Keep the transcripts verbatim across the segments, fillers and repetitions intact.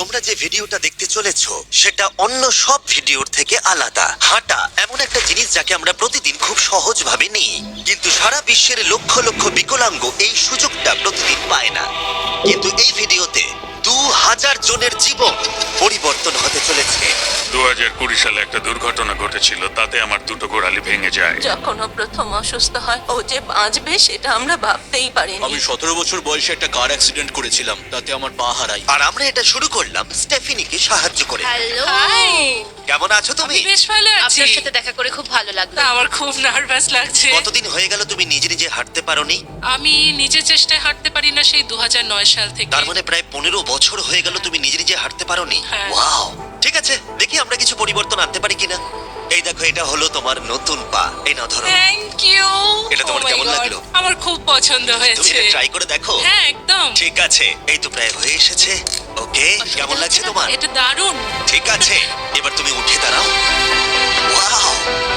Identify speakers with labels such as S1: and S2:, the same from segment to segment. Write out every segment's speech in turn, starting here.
S1: তোমরা যে ভিডিওটা দেখতে চলেছো সেটা অন্য সব ভিডিওর থেকে আলাদা। হাঁটা এমন একটা জিনিস যাকে আমরা প্রতিদিন খুব সহজভাবে নিই, কিন্তু সারা বিশ্বের লক্ষ লক্ষ বিকলাঙ্গ এই সুযোগটা প্রতিদিন পায় না। কিন্তু এই ভিডিওতে দু হাজার জনের জীবন পরিবর্তন হতে চলেছে।
S2: দু হাজার কুড়ি সালে একটা দুর্ঘটনা ঘটেছিল, তাতে আমার দুটো গোড়ালি ভেঙে যায়।
S3: যখন ও প্রথম অসুস্থ হয়, ও যে বাঁচবে সেটা আমরা ভাবতেই পারিনি।
S4: আমি সতেরো বছর বয়সে একটা কার অ্যাক্সিডেন্ট করেছিলাম, তাতে আমার পা হারাই।
S1: আর আমরা এটা শুরু করলাম স্টেফিনিকে সাহায্য করে।
S5: হ্যালো,
S6: হাই,
S1: কেমন আছো তুমি?
S6: আমি বেশ ভালো আছি।
S5: আপনার সাথে দেখা করে খুব ভালো লাগলো।
S6: তা আমার খুব নার্ভাস লাগছে।
S1: কতদিন হয়ে গেল তুমি নিজে নিজে হাঁটতে পারোনি?
S6: আমি নিজের চেষ্টায় হাঁটতে পারি না সেই দু হাজার নয় সাল থেকে।
S1: তার মানে প্রায় পনেরো বছর হয়ে গেল তুমি নিজে নিজে হাঁটতে পারোনি।
S6: হ্যাঁ।
S1: ওয়াও, ঠিক আছে, দেখি আমরা কিছু পরিবর্তন আনতে পারি কিনা। এই দেখো, এটা হলো তোমার নতুন পা। এই নাও, ধরো।
S6: Thank you.
S1: এটা তোমার কেমন লাগলো?
S6: আমার খুব পছন্দ
S1: তুমি
S6: হয়েছে।
S1: এটা ট্রাই করে দেখো।
S6: হ্যাঁ, একদম।
S1: ঠিক আছে, এই তো প্রায় হয়ে এসেছে। ওকে, কেমন লাগছে তোমার?
S6: এটা দারুণ।
S1: ঠিক আছে, এবার তুমি উঠে দাঁড়াও। ওয়াও,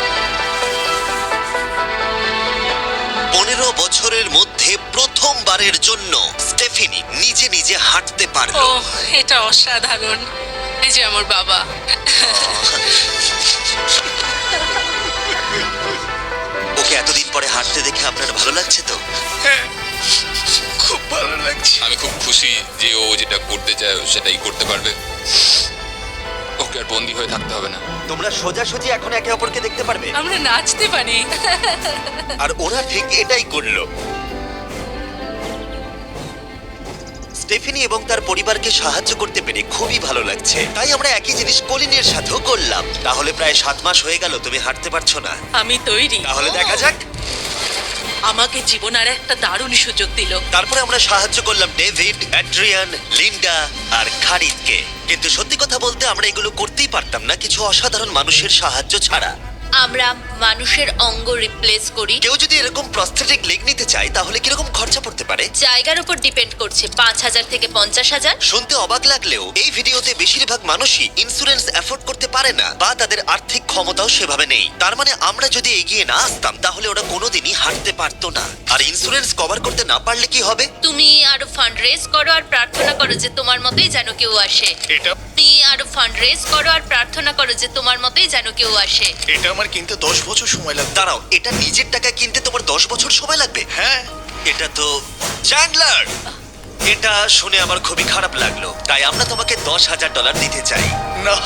S1: পনেরো বছরের মধ্যে প্রথমবারের জন্য স্টেফিনি নিজে নিজে হাঁটতে
S6: ও,
S1: পারলো।
S6: এটা অসাধারণ। এই যে আমার বাবা।
S1: ওকে এতদিন পরে হাঁটতে দেখে আপনার ভালো লাগছে তো?
S4: খুব ভালো লাগছে।
S7: আমি খুব খুশি যে ও যেটা করতে চায় ও সেটাই করতে পারবে। ওকে আর বন্দি হয়ে থাকতে হবে না।
S1: তোমরা সোজাসুজি এখন একে অপরকে দেখতে পারবে।
S6: আমরা নাচতে পারি।
S1: আর ওরা ঠিক এটাই করলো। স্টেফিনি এবং তার পরিবারকে সাহায্য করতে পেরে খুবই ভালো লাগছে। তাই আমরা একই জিনিস কলিনের সাথেও করলাম। তাহলে প্রায় সাত মাস হয়ে গেল তুমি হাঁটতে পারছো না।
S3: আমি তৈরি।
S1: তাহলে দেখা যাক।
S3: আমাকে জীবন আর একটা দারুণ সুযোগ দিল।
S1: তারপরে আমরা সাহায্য করলাম ডেভিড, অ্যাড্রিয়ান, লিন্ডা আর খারিদকে। কিন্তু সত্যি কথা বলতে আমরা এগুলো করতেই পারতাম না কিছু অসাধারণ মানুষের সাহায্য ছাড়া।
S5: আমরা মানুষের অঙ্গ রিপ্লেস করি।
S1: কেউ যদি এরকম প্রস্থেটিক লেগ নিতে চায় তাহলে কিরকম খরচা পড়তে পারে?
S5: জায়গার উপর ডিপেন্ড করছে, পাঁচ হাজার থেকে পঞ্চাশ হাজার।
S1: শুনতে অবাক লাগলেও এই ভিডিওতে বেশিরভাগ মানুষই ইন্স্যুরেন্স অ্যাফোর্ড করতে পারে না বা তাদের আর্থিক ক্ষমতাও সেভাবে নেই। তার মানে আমরা যদি এগিয়ে না আসতাম তাহলে ওরা কোনোদিনই হাঁটতে পারতো না। আর ইন্স্যুরেন্স কভার করতে না পারলে কি হবে?
S5: তুমি আরো ফান্ড রেজ করো আর প্রার্থনা করো যে তোমার মতোই যেন কেউ আসে।
S4: এটা
S5: তুমি আরো ফান্ড রেজ করো আর প্রার্থনা করো যে তোমার মতোই যেন কেউ আসে।
S4: এটা আমার কিনতে দশ বছর সময় লাগবে।
S1: দাঁড়াও, এটা নিজের টাকায় কিনতে তোমার দশ বছর সময় লাগবে?
S4: হ্যাঁ,
S1: এটা তো চ্যান্ডলার, এটা শুনে আমার খুবই খারাপ লাগলো। তাই আমরা তোমাকে দশ হাজার ডলার দিতে চাই।
S4: না,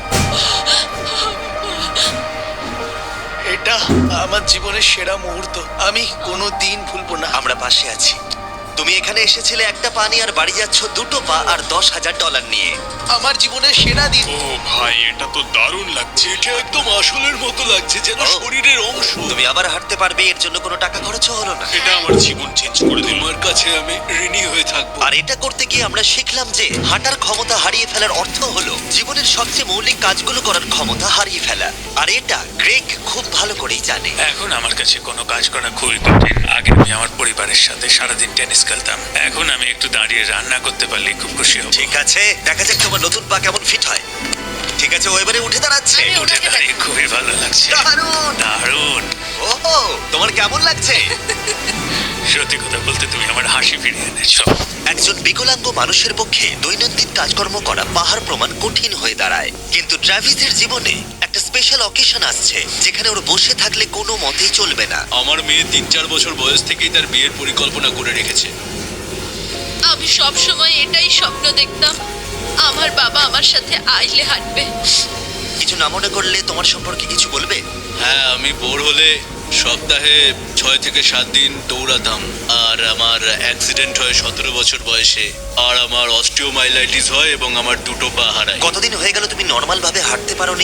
S4: এটা আমার জীবনের সেরা মুহূর্ত। আমি কোনো দিন ভুলবো না।
S1: আমরা পাশে আছি। তুমি এখানে এসেছিলে একটা পা নিয়ে আর বাড়ি যাচ্ছ দুটো পা আর দশ হাজার ডলার নিয়ে।
S4: আমার জীবনের সেরা দিন।
S2: ও ভাই, এটা তো দারুণ লাগছে।
S4: এটা একদম আসলের মতো লাগছে, যেন
S1: ও।
S4: শরীরের অংশ।
S1: তুমি আবার হাঁটতে পারবে, এর জন্য কোনো টাকা খরচও হলো না।
S2: এটা আমার জীবন চেঞ্জ করে দিল।
S4: তোমার কাছে আমি ঋণী হয়ে থাকবো।
S1: আর এটা করতে গিয়ে আমরা শিখলাম যে হাঁটার ক্ষমতা হারিয়ে ফেলার অর্থ হলো জীবনের সবচেয়ে মৌলিক কাজগুলো করার ক্ষমতা হারিয়ে ফেলা। আর এটা গ্রেগ খুব ভালো করেই জানে।
S2: এখন আমার কাছে কোনো কাজ করা খুবই কঠিন। আগে আমি আমার পরিবারের সাথে সারাদিন টেনিস খেলতাম। এখন আমি একটু দাঁড়িয়ে রান্না করতে পারলে খুব খুশি হব।
S1: ঠিক আছে, দেখা যাক তোমার নতুন পা কেমন ফিট হয়। ঠিক আছে, ও এবারে উঠে দাঁড়াচ্ছে।
S5: আমি
S2: উঠে
S5: ওনাকে
S2: দাঁড়িয়ে খুবই ভালো লাগছে।
S1: দারুণ!
S2: দারুণ।
S1: ওহো, তোমার কেমন লাগছে?
S2: সত্যি কথা বলতে তুমি আমার হাসি ফিরিয়ে এনেছো।
S1: একজন বিকলাঙ্গ মানুষের পক্ষে দৈনন্দিন কাজকর্ম করা পাহাড় প্রমাণ কঠিন হয়ে দাঁড়ায়। কিন্তু ট্রাভিসের জীবনে একটা স্পেশাল অকেশন আসছে যেখানে ওর বসে থাকলে কোনো মতেই চলবে না।
S4: আমার মেয়ে তিন চার বছর বয়স থেকেই তার বিয়ের পরিকল্পনা করে রেখেছে।
S5: আমি সব সময় এটাই স্বপ্ন দেখতাম, আমার বাবা আমার সাথে আইলে হাঁটবে।
S1: কিছু না মনে করলে তোমার সম্পর্কে কিছু বলবে?
S4: হ্যাঁ, আমি বোর হলে সপ্তাহে ছয় থেকে সাত দিন দৌড়াতাম। আর আমার অ্যাক্সিডেন্ট হয় সতেরো বছর বয়সে। আর আমার অস্টিওমাইলাইটিস হয় এবং আমার দুটো পা হারায়।
S1: কতদিন হয়ে গেল তুমি নর্মাল ভাবে হাঁটতে পারোনি?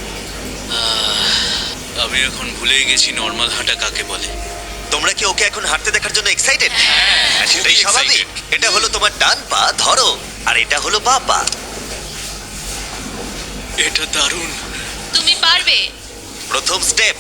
S4: আমি এখন ভুলেই গেছি নর্মাল হাঁটা কাকে বলে।
S1: তোমরা কি ওকে এখন হাঁটতে দেখার জন্য এক্সাইটেড?
S4: হ্যাঁ,
S1: সেটাই স্বাভাবিক। এটা হলো তোমার ডান পা, ধরো। আর এটা হলো বাঁ পা।
S4: এটা দারুণ।
S5: তুমি পারবে।
S1: প্রথম স্টেপ।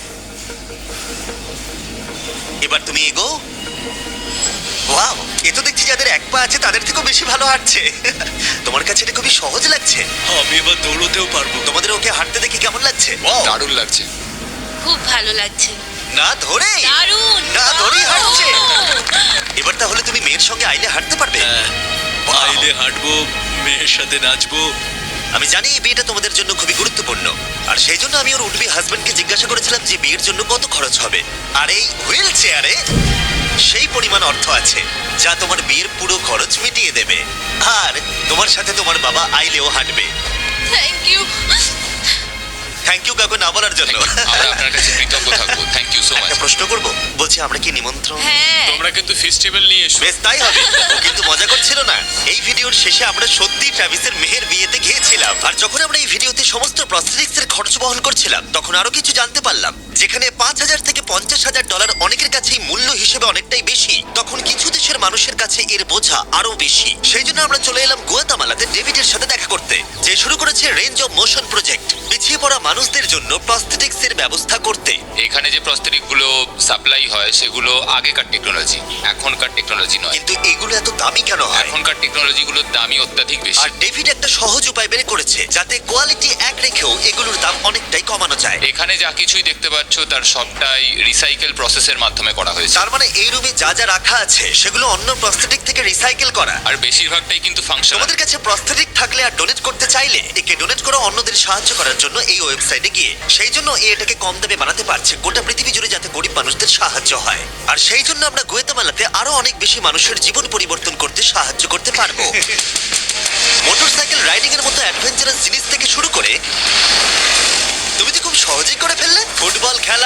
S1: এবার তুমি এগো। ওয়াও, এ তো দেখছি যাদের এক পা আছে তাদের থেকেও বেশি ভালো হাঁটছে। তোমার কাছে এটা খুবই সহজ লাগছে।
S4: আমি এবার দৌড়তেও পারবো।
S1: তোমাদের ওকে হাঁটতে দেখে কেমন লাগছে? Wow!
S7: দারুণ লাগছে।
S5: খুব ভালো লাগছে।
S1: না ধরে,
S5: দারুণ।
S1: না ধরেই হাঁটছে। এবার তাহলে তুমি মেয়ের সঙ্গে আইলে হাঁটতে পারবে?
S4: হ্যাঁ,
S1: Wow!
S4: আইলে হাঁটবো, মেয়ের সাথে নাচবো।
S1: আমি জানি এই বিয়েটা তোমাদের জন্য খুবই গুরুত্বপূর্ণ, আর সেই জন্য আমি ওর উডবি হাজবেন্ডকে জিজ্ঞাসা করেছিলাম যে বিয়ের জন্য কত খরচ হবে। আর এই হুইল চেয়ারে সেই পরিমাণ অর্থ আছে যা তোমার বিয়ের পুরো খরচ মিটিয়ে দেবে। আর তোমার সাথে তোমার বাবা আইলেও হাঁটবে।
S5: Thank you.
S1: থ্যাংক ইউ কাকু না বলার জন্য।
S7: আমরা আপনার কাছে কৃতজ্ঞ থাকবো। Thank you so much.
S1: একটা প্রশ্ন করব, বলছি আমরা কি নিমন্ত্রণ?
S5: হ্যাঁ,
S2: তোমরা কিন্তু ফেস্টিভ্যাল নিয়ে এসো।
S1: বেশ তাই হবে। ও কিন্তু মজা করছিল না। এই ভিডিওর শেষে আমরা সত্যি ট্রাভিসের মেহের বিয়েতে গিয়েছিলাম, আর যখন আমরা এই ভিডিওতে সমস্ত প্রস্থেটিক্স এর খরচ বহন করছিলাম তখন আরো কিছু জানতে পারলাম। যেখানে পাঁচ হাজার থেকে পঞ্চাশ হাজার ডলার অনেকের কাছেই মূল্য হিসেবে অনেকটাই বেশি, তখন কিছু দেশের মানুষের কাছে এর বোঝা আরো বেশি। সেই জন্য আমরা চলে এলাম গুয়াতামালাতে ডেভিডের সাথে দেখা করতে, যে শুরু করেছে রেঞ্জ অফ মোশন প্রজেক্ট, পিছিয়ে পড়া মানুষদের জন্য প্রস্থেটিক্স এর ব্যবস্থা করতে।
S7: এখানে যে প্রস্তরিক গুলো সাপ্লাই হয় সেগুলো আগেকার টেকনোলজি, এখনকার টেকনোলজি নয়।
S1: কিন্তু এগুলো এত দামি কেন হয়?
S7: এখনকার টেকনোলজি গুলোর দামই অত্যাধিক বেশি।
S1: আর ডেভিড একটা সহজ উপায় বের করেছে যাতে কোয়ালিটি এক রেখেও এগুলোর দাম অনেকটাই কমানো যায়।
S7: এখানে যা কিছুই দেখতে পাচ্ছ তার সবটাই রিসাইকেল প্রসেসের মাধ্যমে করা হয়েছে।
S1: তার মানে এই রুমে যা যা রাখা আছে সেগুলো অন্য প্রস্থেটিক থেকে রিসাইকেল করা।
S7: আর বেশিরভাগটাই কিন্তু ফাংশনাল।
S1: তোমাদের কাছে প্রস্থেটিক থাকলে আর ডোনেট করতে চাইলে একে ডোনেট করা অন্যদের সাহায্য করার জন্য এই ওয়েবসাইটে গিয়ে, সেই জন্য এ এটাকে কম দামে বানাতে পারছে গোটা পৃথিবী জুড়ে যাতে গরিব মানুষদের সাহায্য হয়। আর সেই জন্য আমরা গুয়েতামালাতে আরো অনেক বেশি মানুষের জীবন পরিবর্তন করতে সাহায্য করতে পারবো। মোটরসাইকেল রাইডিং এর মতো অ্যাডভেঞ্চারাস জিনিস থেকে শুরু করে তুমি তো খুব সহজেই করে ফেললে ফুটবল খেলা,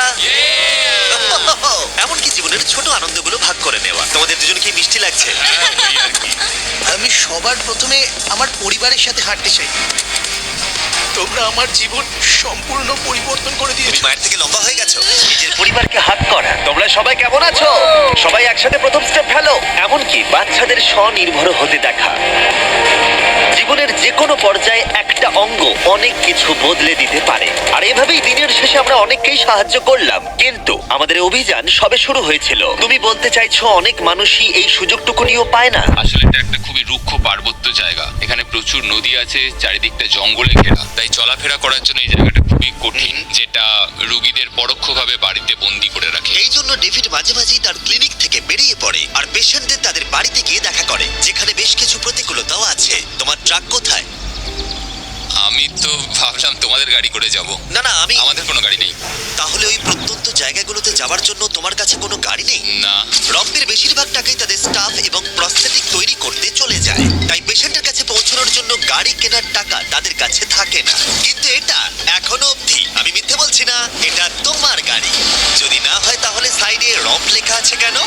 S1: এমনকি জীবনের ছোট আনন্দগুলো ভাগ করে নেওয়া। তোমাদের দুজনকে মিষ্টি লাগছে?
S8: আমি সবার প্রথমে আমার পরিবারের সাথে হাঁটতে চাই। তোমরা আমার জীবন সম্পূর্ণ পরিবর্তন করে
S1: তুমি
S8: দিয়েছো।
S1: মায়ের থেকে লম্বা হয়ে গেছো। নিজের পরিবারকে হাত করা। তোমরা সবাই কেমন আছো? সবাই একসাথে প্রথম স্টেপ ফেলো। এমনকি বাচ্চাদের স্বনির্ভর হতে দেখা। জীবনের যে কোনো পর্যায়ে একটা অঙ্গ অনেক কিছু বদলে দিতে পারে। আর এভাবেই দিনের শেষে আমরা অনেককেই সাহায্য করলাম, কিন্তু আমাদের অভিযান সবে শুরু হয়েছিল। তুমি বলতে চাইছো অনেক মানুষই এই সুযোগটুকু নিয়েও পায় না?
S7: আসলে এটা একটা খুবই রুক্ষ পার্বত্য জায়গা। এখানে প্রচুর নদী আছে, চারিদিকটা জঙ্গলে ঘেরা। তাই চলাফেরা করার জন্য এই জায়গাটা খুবই কঠিন, যেটা রোগীদের পরোক্ষভাবে বাড়িতে বন্দি করে রাখে।
S1: এই জন্য ডেভিড মাঝে মাঝেই তার ক্লিনিক থেকে বেরিয়ে পড়ে আর পেশেন্টদের তাদের বাড়িতে গিয়ে দেখা করে, যেখানে বেশ কিছু প্রতিকূলতাও আছে। তোমার ট্রাক কোথায়?
S7: আমি তো ভাবলাম তোমাদের গাড়ি করে যাব।
S1: না না, আমি
S7: আমাদের কোনো গাড়ি নেই।
S1: তাহলে ওই প্রত্যন্ত জায়গাগুলোতে যাওয়ার জন্য তোমার কাছে কোনো গাড়ি নেই?
S7: না।
S1: রম্পের বেশিরভাগ টাকাই তাদের স্টাফ এবং প্রস্থেটিক তৈরি করতে চলে যায়, তাই পেশেন্টের কাছে পৌঁছানোর জন্য গাড়ি কেনার টাকা তাদের কাছে থাকে না। কিন্তু এটা এখনো অবধি, আমি মিথ্যে বলছি না, এটা তোমার গাড়ি। যদি না হয় তাহলে সাইডে রম্প লেখা আছে কেন?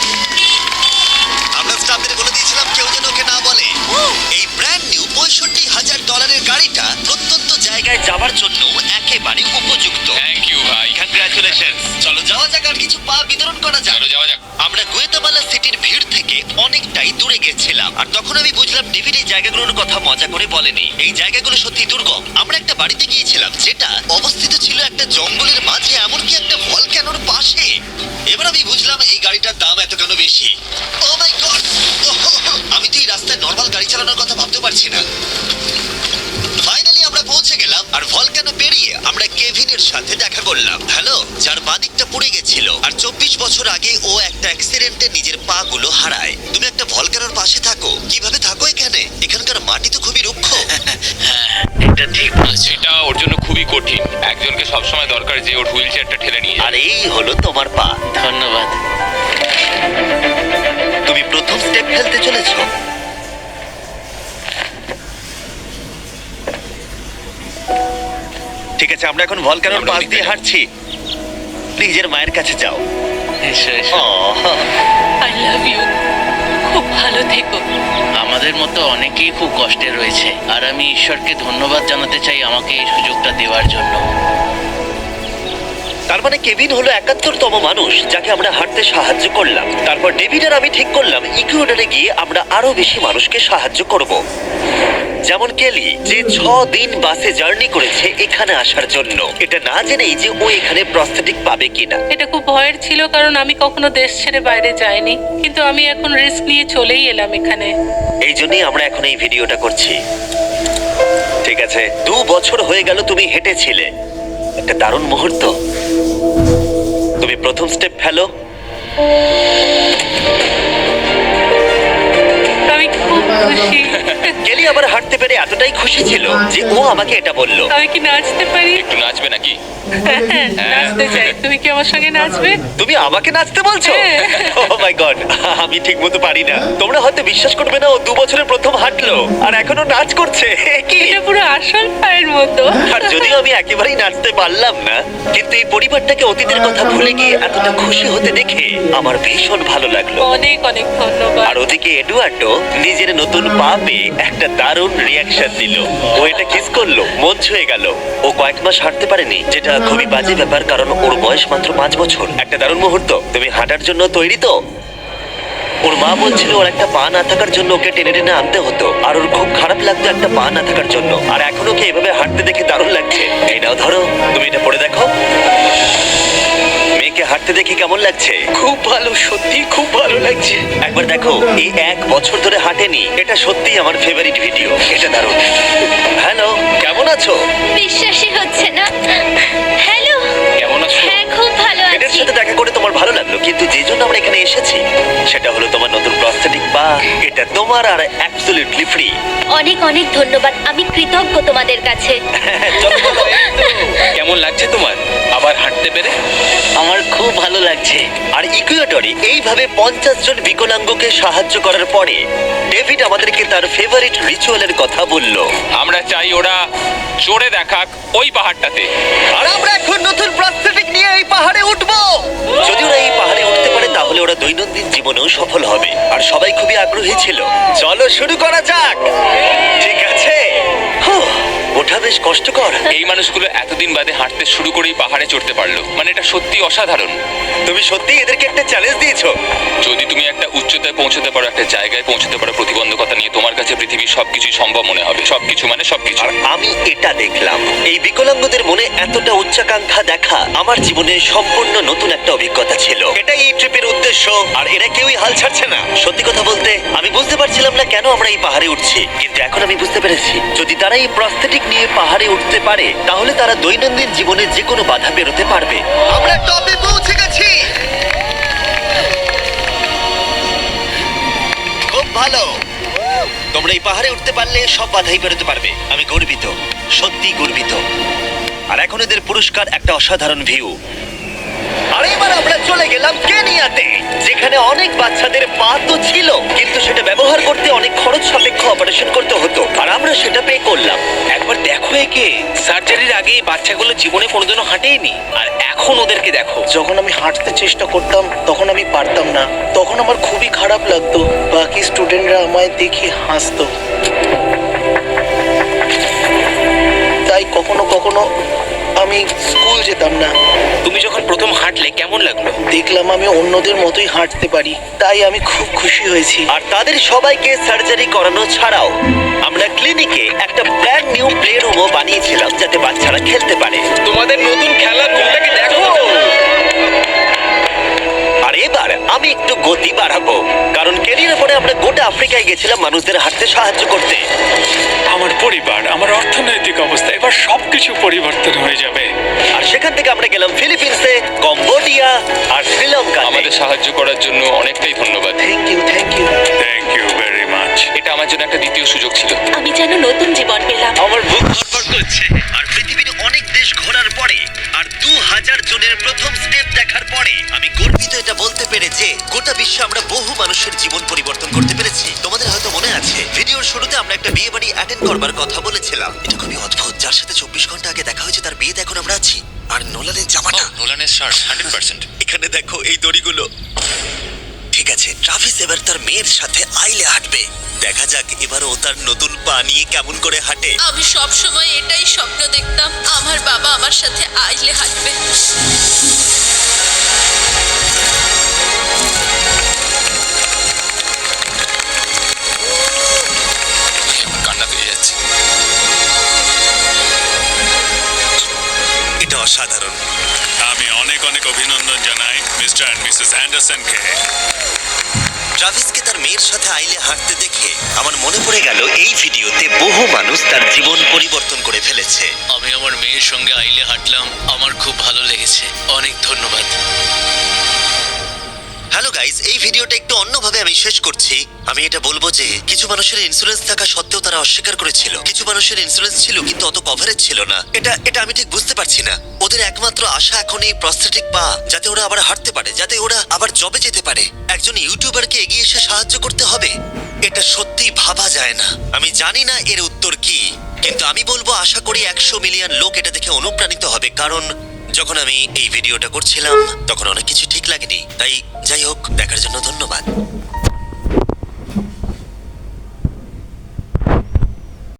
S1: আমরা স্টাফদের বলে দিয়েছিলাম কেউ যেন ওকে না বলে। এই ব্র্যান্ড নিউ পঁয়ষট্টি হাজার ডলারের গাড়িটা প্রত্যন্ত জায়গায় যাওয়ার জন্য একেবারে উপযুক্ত।
S7: থ্যাংক ইউ ভাই।
S1: কংগ্রাচুলেশন। চলো যাওয়া যাক আর কিছু পা বিতরণ করা যাক।
S7: চলো যাওয়া যাক।
S1: আমরা গুয়েতামালা সিটির ভিড় থেকে অনেকটাই দূরে গেছিলাম, আর তখন আমি বুঝলাম ডেভিড এই জায়গাগুলোর কথা মজা করে বলেনি। এই জায়গাগুলো সত্যি দুর্গম। আমরা একটা বাড়িতে গিয়েছিলাম যেটা অবস্থিত ছিল একটা জঙ্গলের মাঝে, এমনকি একটা ভলক্যানোর পাশে। এবার আমি বুঝলাম এই গাড়িটার দাম এত কেন বেশি। ও মাই গড, আমি তো এই রাস্তায় নর্মাল গাড়ি চালানোর কথা ভাবতে পারছি না। ফাইনালি আমরা পৌঁছে গেলাম, আর ভলক্যানো পেরিয়ে আমরা কেভিনের সাথে দেখা করলাম। হ্যালো, যার বাদিকটা পুড়ে গেছিল, আর চব্বিশ বছর আগে ও একটা অ্যাক্সিডেন্টে নিজের পা গুলো হারায়। তুমি একটা ভলক্যানোর পাশে থাকো, কিভাবে থাকো এখানে? এখানকার মাটি তো খুবই রুক্ষ।
S8: এটা ঠিক বলেছো।
S7: এটা ওর জন্য খুবই কঠিন। একজনকে সবসময় দরকার যে ওর হুইল চেয়ারটা ঠেলে নিয়ে
S1: আর এই হলো তোমার পা।
S8: ধন্যবাদ।
S1: তুমি প্রথম স্টেপ ফেলতে চলেছো। ঠিক আছে, আমরা এখন ভলক্যানোর
S7: আমরা
S1: পাশ
S7: ওদিকে
S1: দিয়ে
S7: যাবো।
S1: হাঁটছি। নিজের মায়ের কাছে যাও।
S8: এসো, এসো।
S1: Ah,
S6: I love you. খুব ভালো থেকো।
S8: আমাদের মতো অনেকেই খুব কষ্টে রয়েছে, আর আমি ঈশ্বরকে ধন্যবাদ জানাতে চাই আমাকে এই সুযোগটা দেওয়ার জন্য।
S1: তার মানে কেভিন হলো একাত্তরতম মানুষ যাকে আমরা হাঁটতে সাহায্য করলাম। তারপর ডেভিড আর আমি ঠিক করলাম ইকুয়েডরে গিয়ে আমরা আরো বেশি মানুষকে সাহায্য করব, যেমন কেলি, যে ছ দিন বাসে জার্নি করেছে এখানে আসার জন্য, এটা না জেনেই যে ও এখানে প্রস্থেটিক পাবে কিনা।
S6: এটা খুব ভয়ের ছিল, কারণ আমি কখনো দেশ ছেড়ে বাইরে যাইনি, কিন্তু আমি এখন রিস্ক নিয়ে চলেই এলাম এখানে।
S1: এই জন্যই আমরা এখন এই ভিডিওটা করছি। ঠিক আছে, দু বছর হয়ে গেল তুমি হেঁটেছিলে, একটা দারুণ মুহূর্ত। তুমি প্রথম স্টেপ ফেলো।
S6: আমি খুব খুশি।
S1: কেলি আবার হাঁটতে খুশি ছিল যে ও আমাকে এটা বলল।
S6: আমি কি নাচতে পারি?
S7: একটু নাচবে নাকি?
S6: হ্যাঁ, নাচতে চাই। তুমি কি আমার সঙ্গে নাচবে?
S1: তুমি আমাকে নাচতে বলছো?
S6: হ্যাঁ।
S1: ও মাই গড, আমি ঠিক মতো পারি না। তোমরা হয়তো বিশ্বাস করবে না, ও দু বছরের প্রথম হাঁটলো আর এখনো নাচ করছে। এ কি?
S6: এটা পুরো আসল পায়ের মতো।
S1: আর যদিও আমি একেবারেই নাচতে পারলাম না, কিন্তু এই পরিবারটাকে অতীতের কথা ভুলে গিয়ে এতটা খুশি হতে দেখে আমার ভীষণ ভালো লাগলো।
S6: অনেক অনেক ধন্যবাদ।
S1: আর ওদিকে এডুয়ার্ডো নিজের নতুন পা পেয়ে একটা দারুণ রিয়াকশন দিল। ও এটা কিস করলো, মন ছুঁয়ে গেল। ও কয়েক মাস হাঁটতে পারেনি, যেটা খুবই বাজে ব্যাপার, কারণ ওর বয়স মাত্র পাঁচ বছর। একটা দারুণ মুহূর্ত। তুমি হাঁটার জন্য তৈরি তো? ওর মা বলছিল ওর একটা পা না থাকার জন্য ওকে টেনে টেনে আনতে হতো, আর ওর খুব খারাপ লাগতো একটা পা না থাকার জন্য। আর এখন ওকে এভাবে হাঁটতে দেখে দারুণ লাগছে। এই নাও ধরো, তুমি এটা পরে দেখো। মেয়েকে হাঁটতে দেখে কেমন লাগছে?
S8: খুব ভালো, সত্যি খুব ভালো লাগছে।
S1: একবার দেখো, এই এক বছর ধরে হাঁটেনি। এটা সত্যি আমার ফেভারিট ভিডিও। এটা দারুণ। হ্যালো, কেমন আছো?
S5: বিশ্বাসই হচ্ছে না। হ্যালো,
S7: কেমন আছো?
S5: হ্যাঁ খুব ভালো
S1: এদের
S5: আছি।
S1: সাথে দেখা করে তোমার ভালো লাগলো, কিন্তু যে জন্য আমরা এখানে এসেছি সেটা হলো তোমার নতুন প্রস্থেটিক পা। এটা তোমার আর অ্যাবসলিউটলি ফ্রি।
S5: অনেক অনেক ধন্যবাদ, আমি কৃতজ্ঞ তোমাদের কাছে।
S7: কেমন লাগছে তোমার আবার হাঁটতে পেরে?
S1: আমার খুব ভালো লাগছে। আর ইকুয়েডরে এইভাবে পঞ্চাশ জন বিকলাঙ্গকে সাহায্য করার পরে ডেভিড আমাদেরকে তার ফেভারিট রিচুয়ালের কথা বলল।
S7: আমরা চাই ওরা চড়ে দেখাক ওই পাহাড়টাতে।
S1: আর আমরা এখন নতুন প্রস্থেটিক নিয়ে এই পাহাড়ে উঠবো। যদি ওরা এই পাহাড়ে উঠতে পারে তাহলে ওরা দৈনন্দিন জীবনেও সফল হবে। আর সবাই খুবই আগ্রহী ছিল। চলো শুরু করা যাক। ঠিক আছে। হুঁ, ওঠা বেশ কষ্টকর।
S7: এই মানুষগুলো এতদিন বাদে হাঁটতে শুরু করেই পাহাড়ে চড়তে পারলো, মানে এটা সত্যি অসাধারণ।
S1: তুমি সত্যি এদেরকে একটা চ্যালেঞ্জ দিয়েছো।
S7: যদি তুমি একটা উচ্চতায় পৌঁছতে পারো, একটা জায়গায় পৌঁছতে পারো, প্রতিবন্ধকতা নিয়ে তোমার কাছে পৃথিবীর সবকিছু সম্ভব মনে হবে। সবকিছু মানে সবকিছু।
S1: আর আমি এটা দেখলাম, এই বিকলাঙ্গদের মনে এতটা উচ্চাকাঙ্ক্ষা দেখা আমার জীবনে সম্পূর্ণ নতুন একটা অভিজ্ঞতা ছিল। এটাই এই ট্রিপের উদ্দেশ্য। আর এরা কেউই হাল ছাড়ছে না। সত্যি কথা বলতে আমি বুঝতে পারছিলাম না কেন আমরা এই পাহাড়ে উঠছি, কিন্তু এখন আমি বুঝতে পেরেছি যদি তারা এই প্রস্থেটিক নিয়ে পাহাড়ে উঠতে পারে তাহলে তারা দৈনন্দিন জীবনে যে কোনো বাধা পেরোতে পারবে। আমরা টপে পৌঁছে গেছি। খুব ভালো। তোমরা এই পাহাড়ে উঠতে পারলে সব বাধাই পেরোতে পারবে। আমি গর্বিত, সত্যি গর্বিত। আর এখন এদের পুরস্কার একটা অসাধারণ ভিউ। আর এবার আমরা চলে গেলাম কেনিয়াতে, যেখানে অনেক বাচ্চাদের পা তো ছিল, কিন্তু সেটা ব্যবহার করতে অনেক খরচ সাপেক্ষ অপারেশন করতে হতো। আর আমরা সেটা পে করলাম।
S9: একবার দেখো একে, সার্জারির আগে এই বাচ্চাগুলো জীবনে কোনোদিনও হাঁটেইনি, আর এখন ওদেরকে দেখো।
S8: যখন আমি হাঁটতে চেষ্টা করতাম তখন আমি পারতাম না। তখন আমার খুবই খারাপ লাগতো। বাকি স্টুডেন্টরা আমায় দেখে হাসতো। তাই কখনো কখনো আমি স্কুল যেতাম না।
S9: তুমি যখন প্রথম হাঁটলে কেমন লাগলো?
S8: দেখলাম আমি অন্যদের মতোই হাঁটতে পারি, তাই আমি খুব খুশি হয়েছি।
S1: আর তাদের সবাইকে সার্জারি করানো ছাড়াও আমরা ক্লিনিকে একটা ব্র্যান্ড নিউ প্লে রুমও বানিয়েছিলাম যাতে বাচ্চারা খেলতে পারে।
S9: তোমাদের নতুন খেলার রুমটাকে দেখো।
S1: আর এবার আমি একটু গতি বাড়াবো, কারণ কেনিয়ার পরে আমরা গোটা আফ্রিকায় গেছিলাম মানুষদের হাঁটতে সাহায্য করতে।
S2: আমার পরিবার, আমার অর্থনৈতিক অবস্থা, এবার সবকিছু পরিবর্তন হয়ে যাবে।
S1: আর সেখান থেকে আমরা গেলাম ফিলিপিন্সে, কম্বোডিয়া আর শ্রীলঙ্কা।
S7: আমাদের সাহায্য করার জন্য অনেকটাই ধন্যবাদ।
S8: Thank you, thank you.
S2: Thank you very much.
S7: এটা আমার জন্য একটা দ্বিতীয় সুযোগ ছিল।
S3: আমি যেন নতুন জীবন পেলাম।
S1: আমার বুক ধরপড় করছে। আর পৃথিবীর অনেক দেশ ঘোরার পরে আর দু হাজার জনের প্রথম স্টেপ দেখার পরে আমি গর্বিত এটা বলতে পেরে যে গোটা বিশ্বে আমরা বহু মানুষের জীবন পরিবর্তন করতে পেরেছি। তোমাদের হয়তো মনে আছে ভিডিওর শুরুতে আমরা একটা বিয়ে বাড়ি অ্যাটেন্ড করবার কথা বলেছিলাম। এটা খুবই অদ্ভুত, যার সাথে চব্বিশ ঘন্টা আগে দেখা হয়েছে তার বিয়েতে এখন আমরা আছি। আর নোলানের জামাটা,
S7: নোলানের শার্ট হান্ড্রেড পার্সেন্ট।
S1: এখানে দেখো এই দড়িগুলো। ঠিক আছে, ট্রাভিস এবার তার মেয়ের সাথে আইলে হাঁটবে। দেখা যাক এবার ও তার নতুন পা নিয়ে কেমন করে হাঁটে।
S5: আমি সব সময় এটাই স্বপ্ন দেখতাম, আমার বাবা আমার সাথে আইলে হাঁটবে।
S7: আমার কান্না পেয়ে যাচ্ছে।
S1: এটা অসাধারণ।
S2: আমি অনেক অনেক অভিনন্দন জানাই মিস্টার অ্যান্ড মিসেস অ্যান্ডারসনকে।
S1: ট্রাভিসকে তার মেয়ের সাথে আইলে হাঁটতে দেখে আমার মনে পড়ে গেল এই ভিডিওতে বহু মানুষ তার জীবন পরিবর্তন করে ফেলেছে।
S4: আমি আমার মেয়ের সঙ্গে আইলে হাঁটলাম, আমার খুব ভালো লেগেছে। অনেক ধন্যবাদ।
S1: হ্যালো গাইস, এই ভিডিওটা একটু অন্যভাবে আমি শেষ করছি। আমি এটা বলবো যে কিছু মানুষের ইন্স্যুরেন্স থাকা সত্ত্বেও তারা অস্বীকার করেছিল, কিছু মানুষের ইন্স্যুরেন্স ছিল কিন্তু অত কভারেজ ছিল না। এটা এটা আমি ঠিক বুঝতে পারছি না। ওদের একমাত্র আশা এখন এই প্রস্থেটিক পা, যাতে ওরা আবার হাঁটতে পারে, যাতে ওরা আবার জবে যেতে পারে। একজন ইউটিউবারকে এগিয়ে এসে সাহায্য করতে হবে, এটা সত্যি ভাবা যায় না। আমি জানি না এর উত্তর কি, কিন্তু আমি বলবো আশা করি একশো মিলিয়ন লোক এটা দেখে অনুপ্রাণিত হবে, কারণ যখন আমি এই ভিডিওটা করছিলাম তখন অনেক কিছু ঠিক লাগেনি। তাই যাই হোক, দেখার জন্য ধন্যবাদ।